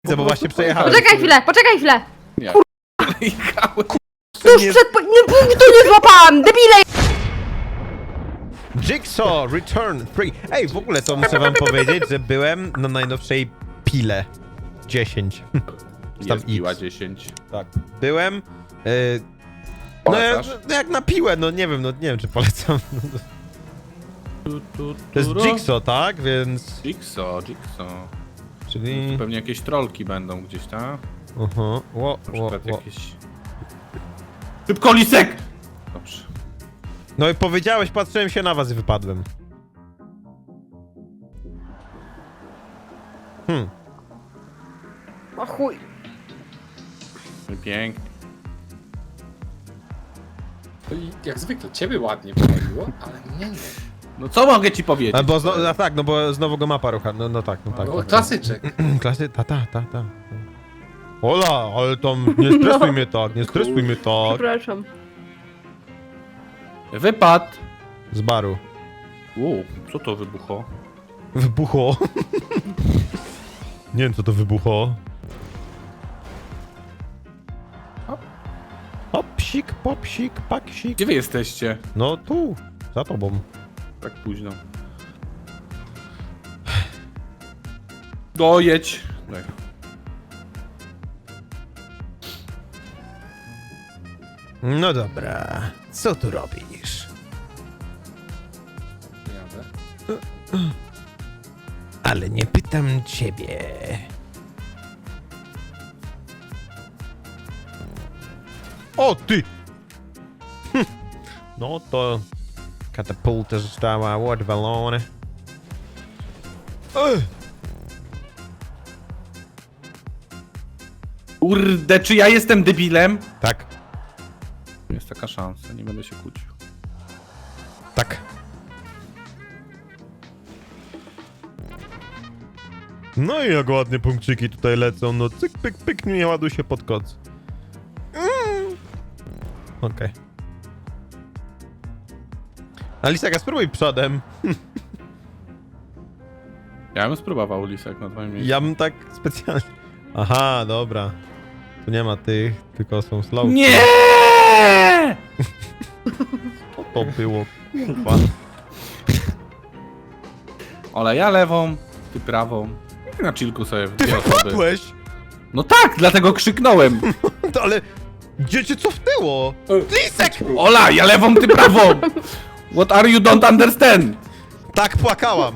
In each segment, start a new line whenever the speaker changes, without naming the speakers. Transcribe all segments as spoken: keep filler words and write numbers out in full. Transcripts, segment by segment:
Bo właśnie przejechałem.
Poczekaj chwilę, poczekaj chwilę!
Nie.
Jechałem.
Tuż przed... po- Nie, punktu nie złapałam! Debile!
Jigsaw Return Free. Ej, w ogóle to muszę wam powiedzieć, że byłem na najnowszej pile dziesięć. Czy tam
Jest piła
X.
dziesięć.
Tak. Byłem. Yy, no jak,
Polecasz?
jak na piłę, no nie wiem, no nie wiem czy polecam.
Tu, tu,
To jest
turo.
Jigsaw, tak? Więc.
Jigsaw, Jigsaw.
Czyli.
Pewnie jakieś trolki będą gdzieś, tak?
Aha. Ło,
Na
ło,
przykład
ło.
jakieś... Szybko, lisek! Dobrze.
No i powiedziałeś, patrzyłem się na was i wypadłem. Hmm.
O chuj.
Pięknie.
To i jak zwykle, ciebie ładnie powaliło, ale mnie nie.
No co mogę ci powiedzieć?
A bo znowu, a tak, no bo znowu go mapa rucha. No, no tak, no tak.
No,
tak.
klasyczek.
Klasy, ta, ta, ta, ta. Ola, ale tam nie stresuj
No.
mnie tak, nie stresuj mnie tak.
Przepraszam.
Wypad!
Z baru.
Uuu, co to wybuchło?
Wybuchło. Nie wiem co to wybuchło. Hopsik, popsik, paksik.
Gdzie wy jesteście?
No tu, za tobą.
Tak późno. Dojedź! Daj.
No dobra, co tu robisz?
Jadę.
Ale nie pytam ciebie. O ty! Hm. No to katapulta została odwalona. Ech.
Kurde, czy ja jestem debilem?
Tak,
Jest taka szansa, nie będę się kłócił.
tak. No i jak ładnie punkciki tutaj lecą, no cyk, pyk, pyk, nie ładuj się pod koc. Mm. Okej. Okay. Alisaka, spróbuj przodem.
Ja bym spróbował lisek na twoim miejscu.
Ja bym tak specjalnie... Aha, dobra. Tu nie ma tych, tylko są slow.
Nie!
Co to było? Kurwa.
Ola, ja lewą, ty prawą. I na chillku sobie w dwie osoby.
Padłeś!
No tak, dlatego krzyknąłem.
To ale... Gdzie cię cofnęło? Lisek!
Ola, ja lewą, ty prawą. What are you don't understand?
Tak płakałam.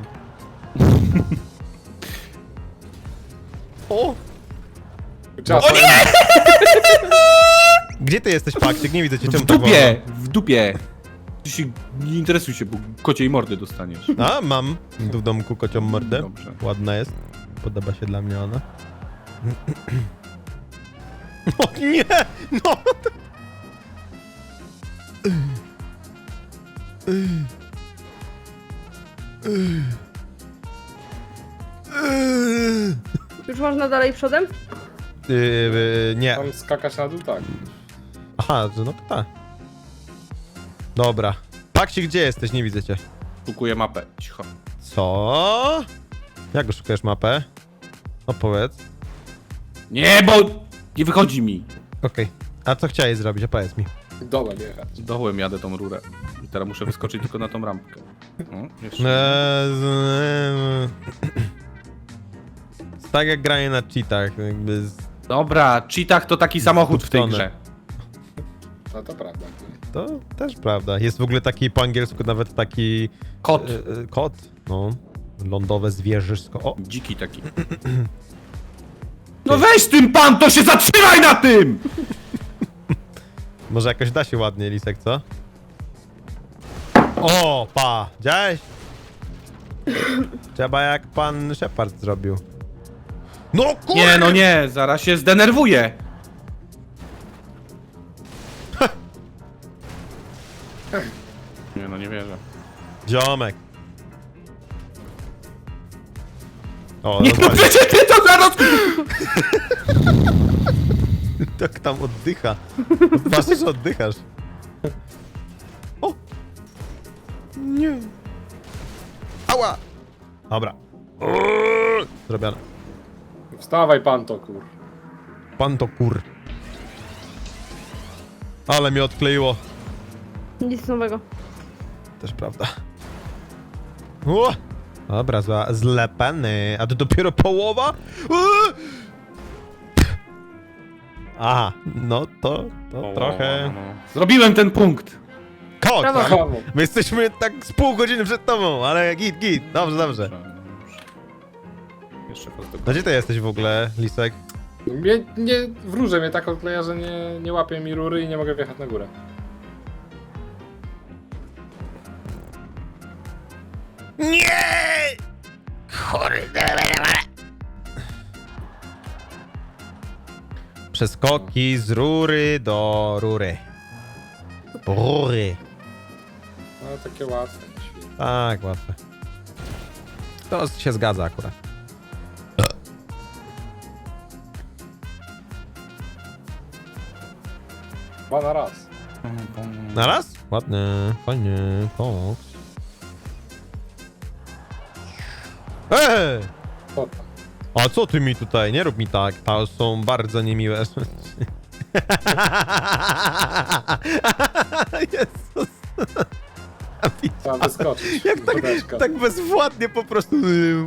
O!
O nie!
Gdzie ty jesteś, Paksik? Nie widzę cię,
W
czemu tak
dupie, w dupie. Ty się nie interesuj się, bo kociej mordy dostaniesz.
wolno? A, mam tu w domku kocią mordę.
Dobrze.
Ładna jest. Podoba się dla mnie ona. O nie! No!
Już można dalej przodem?
Yy, yy, nie.
Tam skakać na dół, tak.
Aha, że no to tak. Dobra. Paksik, gdzie jesteś? Nie widzę cię.
Szukuję mapę, cicho.
Co? Jak szukujesz mapę? Opowiedz.
Nie, bo nie wychodzi mi.
Okej. A co chciałeś zrobić? Opowiedz mi.
Dołem jechać.
Dołem jadę tą rurę. I teraz muszę wyskoczyć tylko na tą rampkę. O, jeszcze.
Eee, z- Tak jak granie na cheatach, jakby z...
Dobra, cheatach to taki samochód w tej
Zdupcone.
grze.
No to prawda.
To też prawda. Jest w ogóle taki po angielsku nawet taki...
Kot.
E, e, kot. No. Lądowe zwierzysko. O!
Dziki taki. No weź tym pan, to się zatrzymaj na tym!
Może jakoś da się ładnie, Lisek, co? O, pa! Widziałeś? Trzeba jak pan Shepard zrobił. No kurde!
Nie, no nie, zaraz się zdenerwuję. Nie, no nie wierzę.
Ziomek. O,
Nie, no
normalnie.
przecież ty to zaraz...
Tak tam oddycha. Patrz, że oddychasz. O! Nie. Ała! Dobra. Zrobione.
Wstawaj pan to, kur.
Pan to kur. Ale mnie odkleiło.
Nic nowego.
Też prawda. O! Dobra, zła, zlepany. A to dopiero połowa? Uuu! Aha, no to, to trochę...
Zrobiłem ten punkt!
Kot!
Brawo.
tak?
Brawo.
My jesteśmy tak z pół godziny przed tobą, ale git, git. Dobrze, dobrze.
Jeszcze raz do
No gdzie ty jesteś w ogóle, Lisek?
Mnie, nie, wróżę mnie tak odkleja, że nie, nie łapie mi rury i nie mogę wjechać na górę.
Nie! Kurde. Przeskoki z rury do rury. Rury.
No takie łatwe. nie świetnie.
Tak, łatwe. To się zgadza akurat.
Dwa na raz.
Na raz? Ładnie, fajnie, koks. Eee!
Co tam?
A co ty mi tutaj? Nie rób mi tak, to są bardzo niemiłe rzeczy. Jezus.
Trzeba wyskoczyć.
Jak tak,
Wódeczka.
tak bezwładnie po prostu...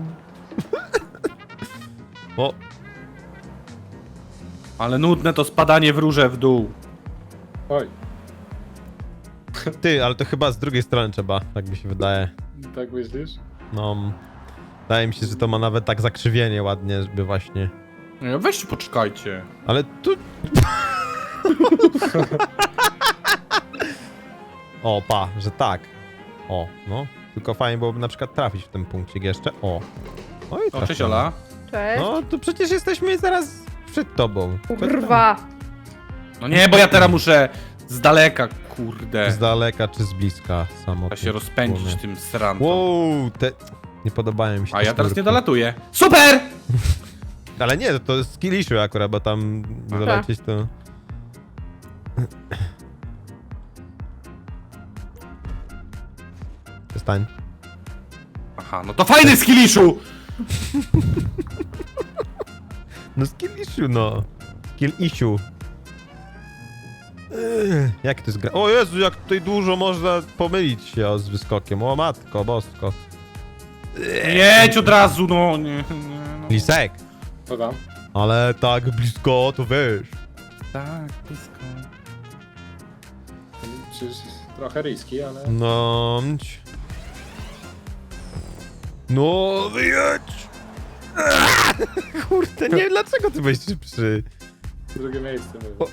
O,
Ale nudne to spadanie w róże w dół.
Oj,
ty, ale to chyba z drugiej strony trzeba, tak mi się wydaje.
tak myślisz?
No, wydaje mi się, że to ma nawet tak zakrzywienie ładnie, żeby właśnie...
Nie, weźcie poczekajcie.
Ale tu... O, pa, że tak. O, no. Tylko fajnie byłoby na przykład trafić w ten punkcik jeszcze. O. No i
O, cześć
trafiamy.
Ola.
Cześć.
No, to przecież jesteśmy zaraz przed tobą.
Kurwa.
No nie, bo ja teraz muszę z daleka, kurde.
Z daleka czy z bliska samotnie.
Trzeba się rozpędzić
płynę.
tym srantem.
Wow, te... Nie podobają mi się
A
te
ja teraz nie
sznurki.
dolatuję. Super!
Ale nie, to jest skill issue akurat, bo tam
Aha.
dolecieć to... Przestań.
Aha, no to fajny skilliszu!
No skill issue, no. Skill issue. Ech, jak to jest gra? O Jezu, jak tutaj dużo można pomylić się o, z wyskokiem. O matko, bosko.
Jedź od razu, no nie, nie no.
Lisek.
Co tam?
Ale tak blisko, to wiesz.
Tak, blisko.
Przecież trochę riski, ale...
No. mć. No, wyjedź! Aaa! Kurde, nie wiem dlaczego ty byłeś szybszy.
Drugie miejsce
O.
mówię.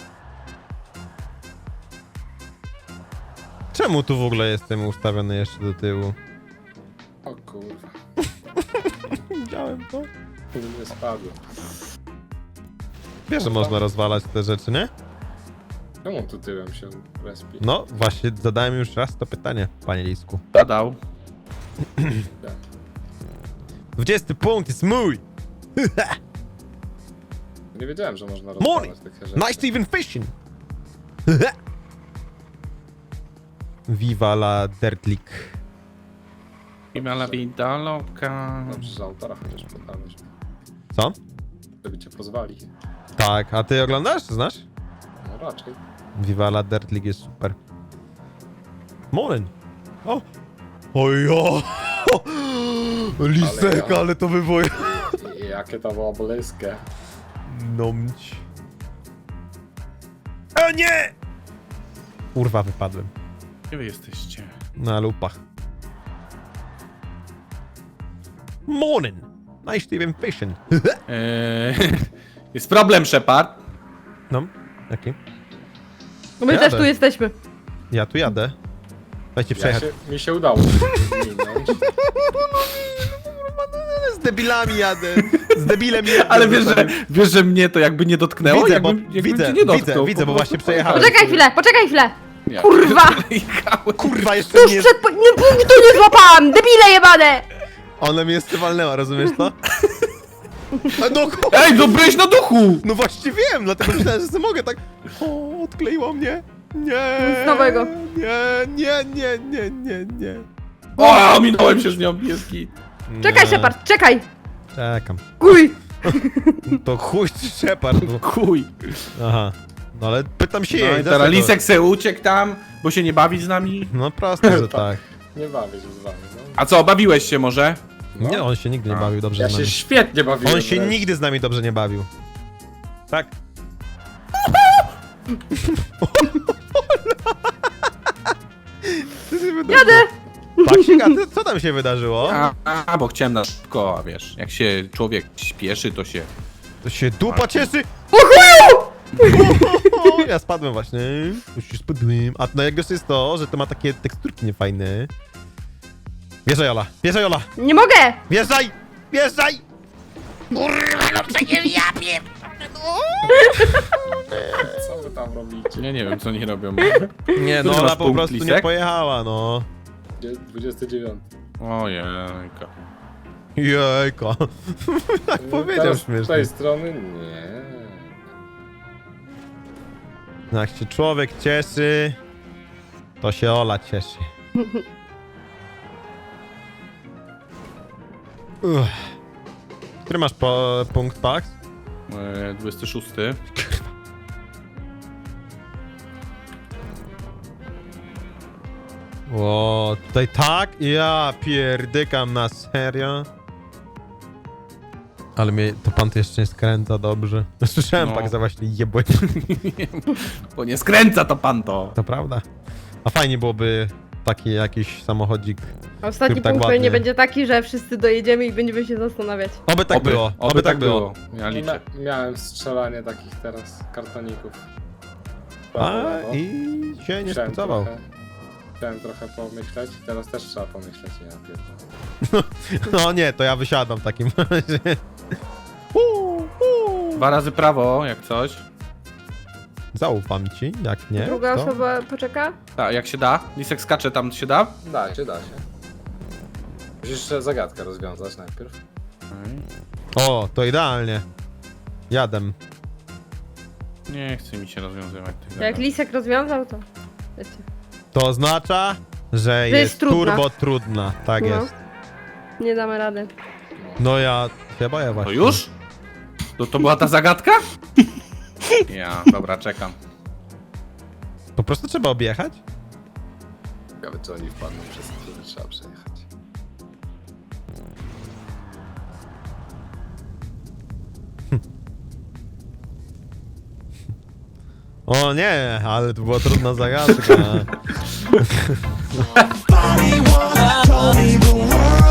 Czemu tu w ogóle jestem ustawiony jeszcze do tyłu?
O kurwa.
Widziałem to.
Nie spadło.
Wiesz, że można rozwalać te rzeczy, nie?
Czemu tu tyłem się respi?
No, właśnie zadałem już raz to pytanie, panie Lisku.
Zadał.
dwudziesty punkt jest mój!
Nie wiedziałem, że można
Morning.
rozwalać takie rzeczy.
Nice to even fishing! Viva la Dirt League.
I mala vida loka.
Dobrze, że autora chociaż podałeś.
Co?
Żeby cię pozwali.
Tak, a ty oglądasz? Znasz?
No raczej.
Viva la Dirt League jest super. Morning! O! Ojo! Lisek,
Ale ja-
ale to wywoje.
I jakie to było bliskie.
Nomć. O nie! Kurwa, wypadłem.
Gdzie wy jesteście?
Na lupach. Morning! Nice to even fishing.
Eee, jest problem, Shepard.
No, jaki?
No my
Jadę.
też tu jesteśmy.
Ja tu jadę. Dajcie
Ja
przejechać.
się, mi się udało minąć.
Z debilami jadę. Z debilem jadę.
Ale wiesz, że, wiesz, że mnie to jakby nie dotknęło?
Widzę,
jakbym,
bo-
jakbym
widzę,
cię nie dotknął.
widzę, widzę, bo
Po prostu
właśnie przejechałem.
Poczekaj chwilę, poczekaj chwilę.
Nie.
Kurwa!
Jechałem.
Kurwa, jeszcze
Tuż
mnie...
przed... po- Nie, punktu nie złapałam! Debile jebane!
Ona mnie jeszcze walnęła, rozumiesz to? A no, ku-
Ej, no byłeś na duchu!
no właśnie wiem, dlatego myślałem, że sobie mogę tak... O, odkleiło mnie. Nie.
Nic nowego.
Nie, nie, nie, nie, nie, nie.
O, minąłem się z nią, pieski.
Czekaj,
Nie.
Shepard, czekaj!
Czekam.
Kuj!
To chuj czy Shepard. Bo...
Chuj.
Aha. No ale pytam się
No
jej.
i
dlaczego?
teraz Lisek se uciekł tam, bo się nie bawi z nami.
No proste, że tak.
Nie bawię się z wami, no.
A co, bawiłeś się może?
No.
Nie, on się nigdy nie
A.
bawił dobrze
Ja
z
się
nami.
świetnie bawiłem.
On się
wręcz.
nigdy z nami dobrze nie bawił. Tak?
Jadę!
Paksik, a ty, co tam się wydarzyło?
A, a bo chciałem na szybko, a wiesz, jak się człowiek śpieszy, to się...
To się dupa cieszy! Ja spadłem właśnie. Już się spadłem. A najgorsze jest to, że to ma takie teksturki niefajne. Wjeżdżaj, Ola! Wjeżdżaj, Ola!
Nie mogę!
Wjeżdżaj! Wjeżdżaj!
Co wy tam robicie?
Ja nie wiem, co oni robią.
Nie,
Który
no Ola
masz
po
punkt,
prostu nie
Lisek?
pojechała, no.
dwudziesty dziewiąty.
Ojejka.
Jejko. Tak powiedział
Teraz z
śmiesznie.
tej strony nie.
No jak się człowiek cieszy, to się Ola cieszy. Uff. Który masz po, punkt, Pax?
E, dwudziesty szósty.
O, tutaj tak? Ja pierdykam na serio. Ale mnie to pan to jeszcze nie skręca dobrze. Słyszałem
No.
tak za właśnie jebłe.
Bo nie skręca to pan to.
To prawda. A fajnie byłoby taki jakiś samochodzik.
Ostatni
Który tak
punkt
ładnie.
pewnie będzie taki, że wszyscy dojedziemy i będziemy się zastanawiać.
Oby tak było. Oby, tak było.
Ja liczę.
Mia miałem strzelanie takich teraz kartoników.
A
Brawo, brawo.
i się nie
Chciałem
spodziewał.
trochę- Chciałem trochę pomyśleć, teraz też trzeba pomyśleć, ja pierdolę.
No nie, to ja wysiadam w takim razie. Uu, uu.
Dwa razy prawo, jak coś.
Zaufam ci, jak nie.
Druga
to...
osoba poczeka?
Tak, jak się da. Lisek skacze, tam się da.
Da się, da się. Musisz jeszcze zagadkę rozwiązać najpierw.
O, to idealnie. Jadem.
Nie chce mi się rozwiązywać tych
Jak
zagadek.
Lisek rozwiązał, to wiecie.
To oznacza, że
jest
jest,
trudna.
turbo trudna. Tak
No.
jest.
Nie damy rady.
No ja się boję
To
właśnie.
już? To, to była ta zagadka? Ja, dobra, czekam.
Po prostu trzeba objechać?
Ciekawe, czy oni wpadną przez który trzeba przejechać.
O nie, ale to była trudna zagadka.
Body wanna, told me the one.